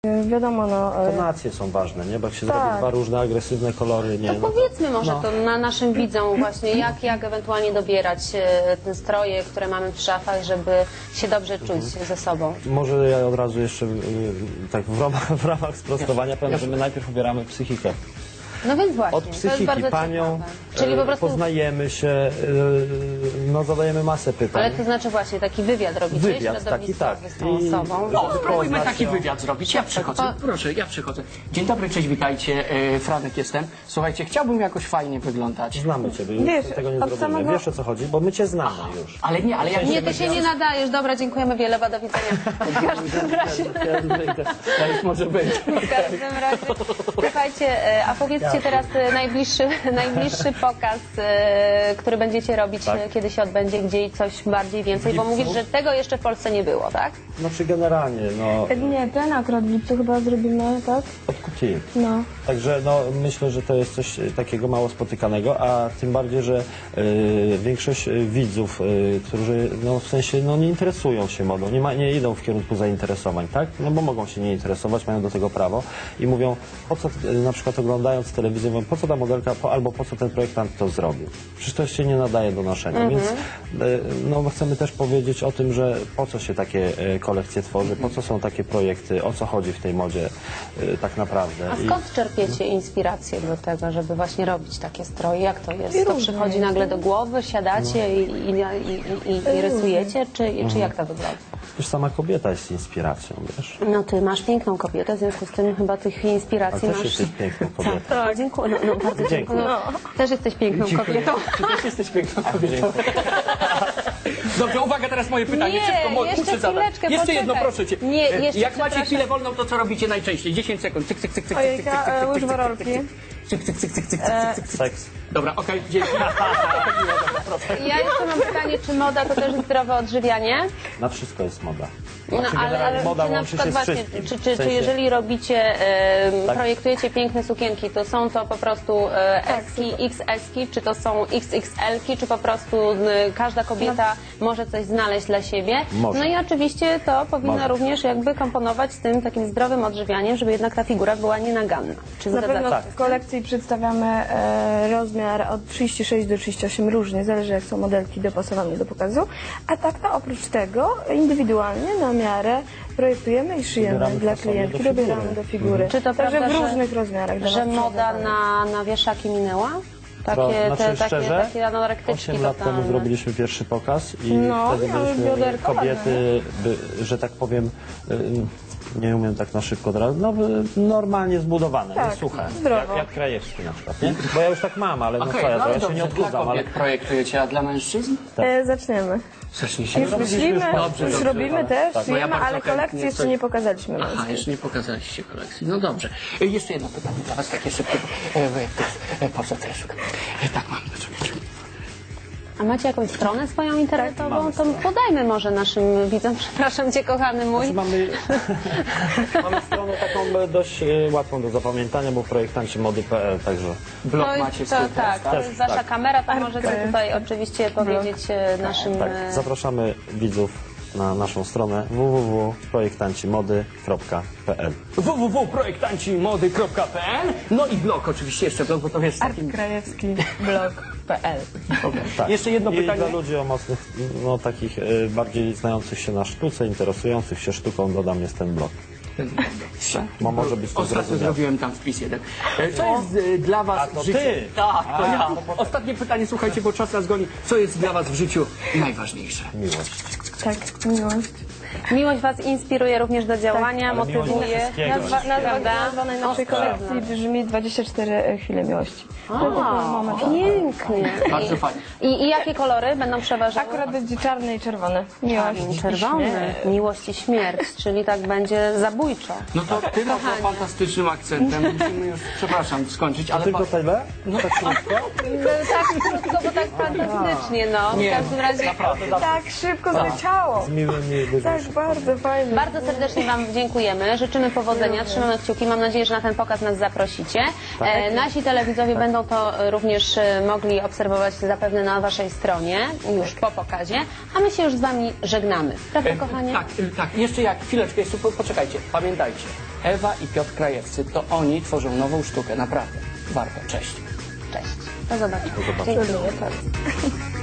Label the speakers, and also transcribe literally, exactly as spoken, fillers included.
Speaker 1: Wiadomo, no...
Speaker 2: Tonacje są ważne, nie? Bo jak się
Speaker 1: tak.
Speaker 2: zrobi dwa różne agresywne kolory, nie?
Speaker 3: To
Speaker 2: No
Speaker 3: powiedzmy
Speaker 2: to,
Speaker 3: może
Speaker 2: no.
Speaker 3: to na naszym widzom właśnie, jak, jak ewentualnie dobierać e, te stroje, które mamy w szafach, żeby się dobrze czuć mhm. ze sobą.
Speaker 2: Może ja od razu jeszcze y, tak w ramach, w ramach sprostowania powiem, że my najpierw ubieramy psychikę.
Speaker 3: No więc właśnie,
Speaker 2: Od psychiki
Speaker 3: to jest bardzo
Speaker 2: panią,
Speaker 3: ciekawe. Czyli po prostu...
Speaker 2: poznajemy się, no zadajemy masę pytań.
Speaker 3: Ale to znaczy właśnie taki wywiad robicie,
Speaker 2: wywiad, taki, tak.
Speaker 3: z tą osobą.
Speaker 4: No, spróbujmy taki wywiad zrobić. Ja przychodzę, proszę, ja przychodzę. Dzień dobry, cześć, witajcie, e, Franek jestem. Słuchajcie, chciałbym jakoś fajnie wyglądać.
Speaker 2: Znamy ciebie, już
Speaker 1: Wiesz,
Speaker 2: tego nie
Speaker 1: od
Speaker 2: zrobimy.
Speaker 1: samego-
Speaker 2: Wiesz o co chodzi, bo my cię znamy już.
Speaker 4: Ale nie, ale ja
Speaker 3: Nie, ty się nie nadajesz. Dobra, dziękujemy wiele, do widzenia. W każdym razie,
Speaker 4: To już może być.
Speaker 3: w każdym razie, słuchajcie, e, a powiedzcie teraz e, najbliższy, najbliższy pokaz, e, który będziecie robić,
Speaker 2: Tak.
Speaker 3: e, kiedy się odbędzie, gdzie i coś bardziej więcej, bo
Speaker 2: W lipcu.
Speaker 3: mówisz, że tego jeszcze w Polsce nie było, tak?
Speaker 2: Znaczy generalnie, no,
Speaker 1: Nie, ten akurat w lipcu chyba zrobimy, tak?
Speaker 2: od kutii.
Speaker 1: No.
Speaker 2: Także no, myślę, że to jest coś takiego mało spotykanego, a tym bardziej, że y, większość y, widzów, y, którzy no, w sensie no, nie interesują się modą, nie, ma, nie idą w kierunku zainteresowań, tak? No bo mogą się nie interesować, mają do tego prawo i mówią, po co y, na przykład oglądając telewizję, mówią, po co ta modelka, po, albo po co ten projektant to zrobił. Przecież to się nie nadaje do noszenia,
Speaker 3: Mhm.
Speaker 2: więc y, no, chcemy też powiedzieć o tym, że po co się takie y, kolekcje tworzy, po co są takie projekty, o co chodzi w tej modzie y, tak naprawdę.
Speaker 3: A
Speaker 2: I-
Speaker 3: skąd czerpiecie inspirację do tego, żeby właśnie robić takie stroje? Jak to jest?
Speaker 1: I
Speaker 3: To
Speaker 1: różnie
Speaker 3: przychodzi
Speaker 1: jest.
Speaker 3: nagle do głowy, siadacie i, i, i, i, i rysujecie? Czy, czy jak to wygląda?
Speaker 2: Już sama kobieta jest inspiracją, wiesz?
Speaker 3: No ty masz piękną kobietę, w związku z tym chyba tych inspiracji
Speaker 2: A też
Speaker 3: masz...
Speaker 2: jesteś piękną kobietą.
Speaker 3: Tak, dziękuję. No, no, bardzo dziękuję.
Speaker 2: Dziękuję.
Speaker 3: No, też jesteś piękną kobietą.
Speaker 4: Ty też jesteś piękną kobietą. Dobrze, uwaga, teraz moje pytanie.
Speaker 3: Nie,
Speaker 4: Szybko, mo-
Speaker 3: jeszcze
Speaker 4: muszę zadać.
Speaker 3: chwileczkę,
Speaker 4: Jeszcze
Speaker 3: poczekaj.
Speaker 4: jedno, proszę cię.
Speaker 3: Nie,
Speaker 4: E,
Speaker 3: jeszcze,
Speaker 4: Jak macie
Speaker 3: przepraszam.
Speaker 4: chwilę wolną, to co robicie najczęściej? dziesięć sekund. Cyk, cyk, cyk, cyk, cyk, cyk, cyk, cyk,
Speaker 1: Ojejka,
Speaker 4: cyk, cyk,
Speaker 1: łyż
Speaker 4: cyk,
Speaker 1: warolki.
Speaker 4: cyk, cyk, cyk, cyk, cyk, cyk,
Speaker 1: E,
Speaker 4: cyk, cyk.
Speaker 2: Seks.
Speaker 4: Dobra, okej, dzięki.
Speaker 3: Ja jeszcze mam pytanie, czy moda to też zdrowe odżywianie?
Speaker 2: Na wszystko jest moda.
Speaker 3: No,
Speaker 2: Znaczy,
Speaker 3: ale,
Speaker 2: generalnie
Speaker 3: ale
Speaker 2: moda
Speaker 3: czy na
Speaker 2: łączy
Speaker 3: przykład
Speaker 2: się z
Speaker 3: właśnie,
Speaker 2: wszystkim.
Speaker 3: czy,
Speaker 2: W
Speaker 3: czy, czy
Speaker 2: sensie-
Speaker 3: jeżeli robicie, e,
Speaker 2: Tak.
Speaker 3: projektujecie piękne sukienki, to są to po prostu e, S-ki, X S-ki, czy to są X X L-ki, czy po prostu e, każda kobieta może coś znaleźć dla siebie?
Speaker 2: Może.
Speaker 3: No i oczywiście to powinno
Speaker 2: Może.
Speaker 3: również jakby komponować z tym takim zdrowym odżywianiem, żeby jednak ta figura była nienaganna. Czy
Speaker 1: Na
Speaker 3: zgadzacie
Speaker 1: pewno
Speaker 3: się?
Speaker 2: Tak.
Speaker 1: w kolekcji przedstawiamy e, rozmiar od trzydzieści sześć do trzydziestu ośmiu różnie, zależy jak są modelki dopasowane do pokazu. A tak to oprócz tego indywidualnie na miarę projektujemy i szyjemy
Speaker 2: Dobieramy
Speaker 1: dla
Speaker 2: fasonie
Speaker 1: klientki,
Speaker 2: do figury.
Speaker 1: dobieramy do figury.
Speaker 3: Czy to
Speaker 1: Także
Speaker 3: prawda,
Speaker 1: w
Speaker 3: że-
Speaker 1: różnych rozmiarach. dla
Speaker 3: Że
Speaker 1: nas
Speaker 3: moda
Speaker 1: przygotowujemy.
Speaker 3: na, na wieszaki minęła? Takie,
Speaker 2: To
Speaker 3: te,
Speaker 2: znaczy,
Speaker 3: takie,
Speaker 2: szczerze,
Speaker 3: takie anorektyczki
Speaker 2: osiem lat temu
Speaker 3: totalne.
Speaker 2: zrobiliśmy pierwszy pokaz i
Speaker 1: No,
Speaker 2: wtedy
Speaker 1: miały
Speaker 2: byliśmy
Speaker 1: bioderko,
Speaker 2: kobiety, by, że tak powiem, y, nie umiem tak na szybko od razu, no y, normalnie zbudowane,
Speaker 1: Tak,
Speaker 2: nie suche.
Speaker 1: zdrowo.
Speaker 2: Jak, jak Krajewski na przykład, nie? Bo ja już tak mam, ale no
Speaker 4: Okej,
Speaker 2: co ja,
Speaker 4: no
Speaker 2: to
Speaker 4: ale
Speaker 2: ja się nie
Speaker 4: dobrze, dla
Speaker 2: odchudzam, ale...
Speaker 4: kobiet projektujecie, a dla mężczyzn?
Speaker 1: E, zaczniemy.
Speaker 4: Zacznijcie.
Speaker 1: Już
Speaker 2: robiliśmy
Speaker 1: myślimy,
Speaker 2: już
Speaker 4: dobrze,
Speaker 1: już
Speaker 4: dobrze,
Speaker 1: robimy
Speaker 4: ale-
Speaker 1: też,
Speaker 2: tak.
Speaker 4: Bo ja
Speaker 1: szyjemy,
Speaker 4: bardzo
Speaker 1: ale
Speaker 4: chętnie
Speaker 1: kolekcji jeszcze
Speaker 4: coś-
Speaker 1: nie pokazaliśmy.
Speaker 4: Aha,
Speaker 1: męskiej.
Speaker 4: jeszcze nie pokazaliście kolekcji. No dobrze. E, Jeszcze jedno pytanie dla was, takie szybkie. E, wy- e, Po co też? E, Tak mam, czekajcie.
Speaker 3: A macie jakąś stronę swoją internetową?
Speaker 2: mamy
Speaker 3: To podajmy może naszym widzom, przepraszam cię kochany mój.
Speaker 2: Znaczy mamy, mamy stronę taką e, dość e, łatwą do zapamiętania, bo projektanci mody kropka p l, także...
Speaker 4: Blog
Speaker 3: To jest-
Speaker 4: macie
Speaker 3: to,
Speaker 4: swój
Speaker 3: tak, to
Speaker 2: Też,
Speaker 3: jest wasza
Speaker 2: tak.
Speaker 3: kamera, to możecie tutaj oczywiście powiedzieć e, naszym...
Speaker 2: Tak,
Speaker 3: e,
Speaker 2: zapraszamy widzów na naszą stronę w w w kropka projektancimody kropka p l.
Speaker 4: w w w kropka projektancimody kropka p l. No i blog oczywiście, jeszcze blog, bo to wiesz, takim...
Speaker 1: Krajewski blog kropka p l.
Speaker 2: Tak.
Speaker 4: Jeszcze jedno
Speaker 2: I
Speaker 4: pytanie.
Speaker 2: dla ludzi o mocnych, no takich y, bardziej znających się na sztuce, interesujących się sztuką, dodam jest ten blog. Bo może być to
Speaker 4: Ostatnio
Speaker 2: zrozumiałe.
Speaker 4: zrobiłem tam wpis jeden. E, Co jest e, dla was
Speaker 2: A to
Speaker 4: w życiu...
Speaker 2: ty?
Speaker 4: Tak, to
Speaker 2: A,
Speaker 4: ja.
Speaker 2: to potem.
Speaker 4: Ostatnie pytanie, słuchajcie, bo czas nas goni. Co jest dla was w życiu najważniejsze?
Speaker 2: Miłość.
Speaker 1: Tak, miłość.
Speaker 3: Miłość was inspiruje również do działania,
Speaker 2: ale miłość do
Speaker 3: motywuje.
Speaker 2: wszystkiego.
Speaker 1: Nazwa, nazwa,
Speaker 3: Prawda?
Speaker 1: nazwa najnowszej
Speaker 3: Ostra.
Speaker 1: kolekcji brzmi dwadzieścia cztery chwile miłości. To był moment.
Speaker 3: Pięknie.
Speaker 4: Bardzo fajnie.
Speaker 3: I, I jakie kolory będą przeważały?
Speaker 1: Akurat będzie czarne i czerwone. Miłość i
Speaker 3: Czerwony,
Speaker 1: śmierć.
Speaker 3: miłość i śmierć, czyli tak będzie zabójczo.
Speaker 4: No to ty no to fantastycznym akcentem. Musimy już, przepraszam, skończyć, ale...
Speaker 2: Tylko
Speaker 4: pa-
Speaker 2: tyle? No tak krótko?
Speaker 3: No, tak krótko, bo tak fantastycznie, no. W
Speaker 4: Nie,
Speaker 3: każdym razie
Speaker 4: naprawdę.
Speaker 1: Tak szybko zleciało.
Speaker 2: Z miłymi ludźmi.
Speaker 1: Tak, bardzo fajnie.
Speaker 3: bardzo serdecznie wam dziękujemy, życzymy powodzenia, trzymamy kciuki, mam nadzieję, że na ten pokaz nas zaprosicie. E, nasi telewidzowie będą to e, również e, mogli obserwować zapewne na waszej stronie, już po pokazie, a my się już z wami żegnamy. Prawda, kochanie?
Speaker 4: Tak, e, tak, jeszcze jak, chwileczkę, jeszcze po, poczekajcie, pamiętajcie. Ewa i Piotr Krajewscy. To oni tworzą nową sztukę, naprawdę. Warto. Cześć.
Speaker 3: Cześć. Do zobaczenia.
Speaker 2: Do zobaczenia.
Speaker 1: Dziękuję bardzo.